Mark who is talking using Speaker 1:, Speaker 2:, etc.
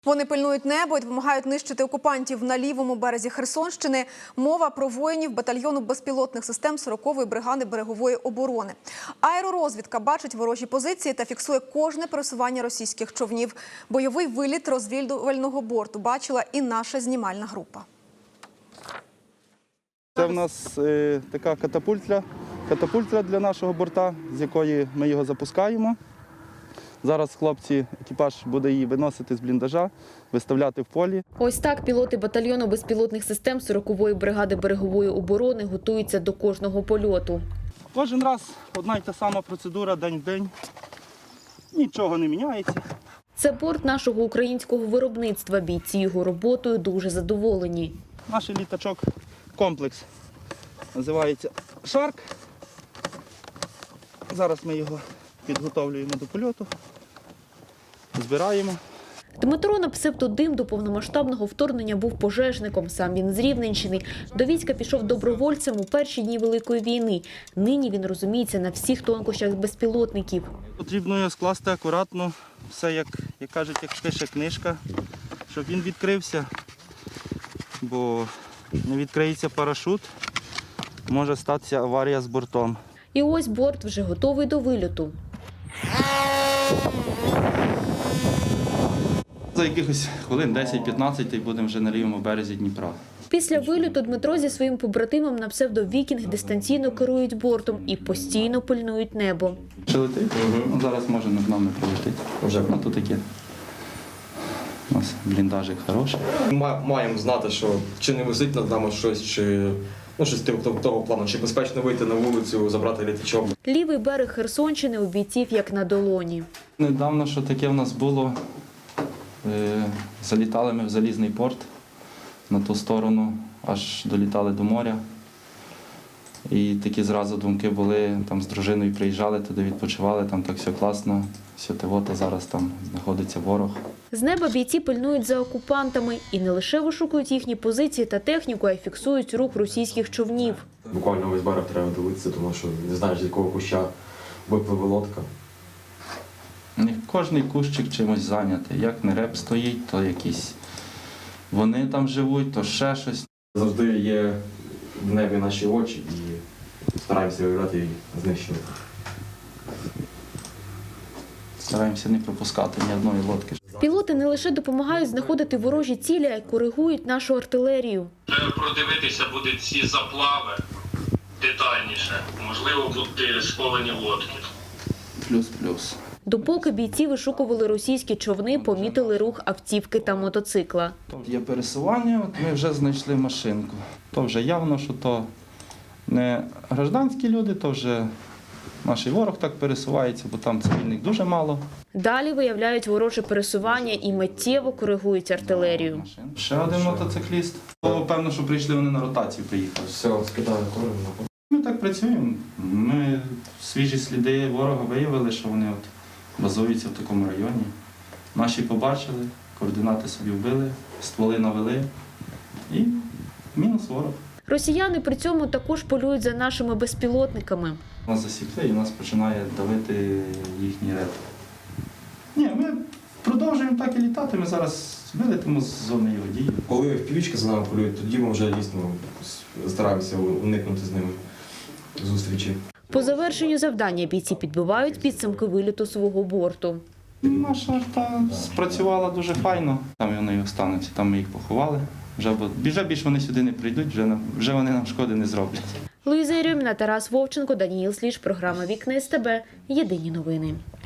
Speaker 1: Вони пильнують небо і допомагають нищити окупантів на лівому березі Херсонщини. Мова про воїнів батальйону безпілотних систем 40-ї бригади берегової оборони. Аеророзвідка бачить ворожі позиції та фіксує кожне пересування російських човнів. Бойовий виліт розвідувального борту бачила і наша знімальна група.
Speaker 2: Це в нас така катапультра для нашого борта, з якої ми його запускаємо. Зараз хлопці, екіпаж буде її виносити з бліндажа, виставляти в полі.
Speaker 3: Ось так пілоти батальйону безпілотних систем 40-ї бригади берегової оборони готуються до кожного польоту.
Speaker 2: Кожен раз одна й та сама процедура, день в день. Нічого не міняється.
Speaker 3: Це борт нашого українського виробництва. Бійці його роботою дуже задоволені.
Speaker 2: Наш літачок-комплекс називається «Шарк». Зараз ми його підготовлюємо до польоту, збираємо.
Speaker 3: Дмитро на псевдодим до повномасштабного вторгнення був пожежником. Сам він з Рівненщини. До війська пішов добровольцем у перші дні Великої війни. Нині він розуміється на всіх тонкощах безпілотників.
Speaker 2: Потрібно його скласти акуратно, все, як кажуть, як пише книжка, щоб він відкрився, бо не відкриється парашут, може статися аварія з бортом.
Speaker 3: І ось борт вже готовий до вильоту.
Speaker 2: За якихось хвилин 10-15 і будемо вже на лівому березі Дніпра.
Speaker 3: Після вильоту Дмитро зі своїм побратимом на псевдо-Вікінг дистанційно керують бортом і постійно пильнують небо.
Speaker 2: Чи летить? Зараз може над нами прилетить. Вже тут таке. У нас бліндажик хороший.
Speaker 4: Маємо знати, що чи не висить над нами щось, чи щось того плану, чи безпечно вийти на вулицю, забрати літачок.
Speaker 3: Лівий берег Херсонщини у бійців як на долоні.
Speaker 5: Недавно, що таке в нас було, залітали ми в Залізний порт на ту сторону, аж долітали до моря. І такі зразу думки були, там з дружиною приїжджали, туди відпочивали, там так все класно, все тивота, зараз там знаходиться ворог.
Speaker 3: З неба бійці пильнують за окупантами і не лише вишукують їхні позиції та техніку, а й фіксують рух російських човнів.
Speaker 4: Буквально весь берег треба дивитися, тому що не знаєш, з якого куща випливе лодка.
Speaker 5: Кожний кущик чимось зайнятий. Як не реп стоїть, то якісь вони там живуть, то ще щось.
Speaker 4: Завжди є в небі наші очі і стараємося виявляти і знищувати.
Speaker 5: Стараємося не пропускати ні одної лодки.
Speaker 3: Пілоти не лише допомагають знаходити ворожі цілі, а й коригують нашу артилерію.
Speaker 6: Треба продивитися буде ці заплави детальніше. Можливо, будуть сховані лодки.
Speaker 5: Плюс-плюс.
Speaker 3: Допоки бійці вишукували російські човни, помітили рух автівки та мотоцикла.
Speaker 5: Є пересування, от ми вже знайшли машинку. То вже явно, що то не гражданські люди, то вже наш ворог так пересувається, бо там цивільних дуже мало.
Speaker 3: Далі виявляють вороже пересування і миттєво коригують артилерію.
Speaker 5: Ще один мотоцикліст. Певно, що прийшли вони на ротацію, приїхали.
Speaker 4: Все, скидаю корм.
Speaker 5: Ми так працюємо. Ми свіжі сліди ворога виявили, що вони от базуються в такому районі. Наші побачили, координати собі вбили, стволи навели і мінус ворог.
Speaker 3: Росіяни при цьому також полюють за нашими безпілотниками.
Speaker 5: Нас засікли і нас починає давити їхній реп. Ні, ми продовжуємо так і літати, ми зараз вилетимо з зони його дії.
Speaker 4: Коли впівічки за нами полюють, тоді ми вже дійсно стараємося уникнути з ними зустрічі.
Speaker 3: По завершенню завдання бійці підбивають підсумки виліту свого борту.
Speaker 5: Наша арта спрацювала дуже файно. Там вони і остануться, там ми їх поховали. Вже більше вони сюди не прийдуть, вже вони нам шкоди не зроблять.
Speaker 3: Луїза Єрьоміна, Тарас Вовченко, Даніїл Сліж, програма «Вікна СТБ». Єдині новини.